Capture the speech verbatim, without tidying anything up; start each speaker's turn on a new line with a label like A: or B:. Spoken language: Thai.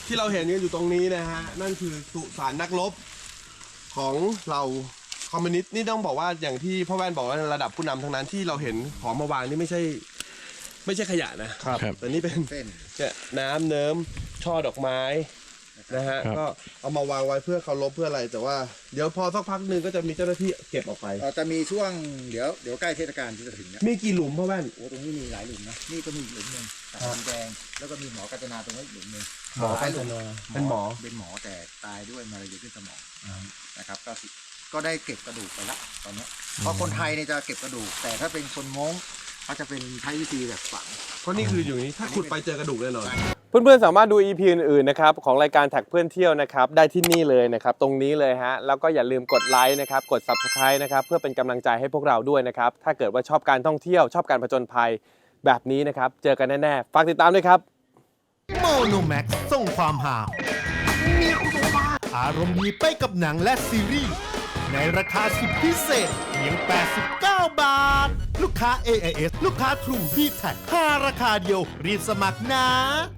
A: ที่เราเห็นกันอยู่ตรงนี้นะฮะนั่นคือสุสานนักรบของเราคอมมิวนิสต์นี่ต้องบอกว่าอย่างที่พ่อแว่นบอกว่าระดับผู้นำทั้งนั้นที่เราเห็นของมาวางนี่ไม่ใช่ไม่ใช่ขยะนะครับแต่นี่เป็นเนี่ยน้ำเนิ้มช่อดอกไม้นะฮะก็เอามาวางไว้เพื่อเคารพเพื่ออะไรแต่ว่าเดี๋ยวพอสักพักหนึ่งก็จะมีเจ้าหน้าที่เก็บออกไป
B: เราจะมีช่วงเดี๋ยวเดี๋ยวใกล้เทศกาลที่จะถึงเนี่ย
A: มีกี่หลุมพ่อแว่น
B: โอ้ตรงนี้มีหลายหลุมนะนี่ก็มีหลุมหนึ่งตาแดงแล้วก็มีหมอกาญจนาตรงนี้อีกหลุมหนึ่ง
A: หมอเป็นเป็นหมอ
B: เป็นหมอแต่ตายด้วยมะเร็งขึ้นสมองนะครับก็ก็ได้เก็บกระดูกไปละตอนนี้เพราะคนไทยเนี่ยจะเก็บกระดูกแต่ถ้าเป็นคนม้งเขาจะเป็นใช้วิธีแบบฝัง
A: เพราะนี่คืออยู่นี้ถ้าขุดไปเจอกระดูกแน่นอน
C: เพื่อนๆสามารถดู อี พี อื่นๆนะครับของรายการแท็กเพื่อนเที่ยวนะครับได้ที่นี่เลยนะครับตรงนี้เลยฮะแล้วก็อย่าลืมกดไลค์นะครับกด ซับสไครบ์ นะครับเพื่อเป็นกำลังใจให้พวกเราด้วยนะครับถ้าเกิดว่าชอบการท่องเที่ยวชอบการผจญภัยแบบนี้นะครับเจอกันแน่ๆฝากติดตามด้วยครับ
D: โมโนแม็กส่งความหาอารมณ์ดีไปกับหนังและซีรีส์ในราคาสุดพิเศษเพียงแปดสิบเก้าบาท ลูกค้า เอ ไอ เอส ลูกค้า True ดี แท็ก ห้าราคาเดียวรีบสมัครนะ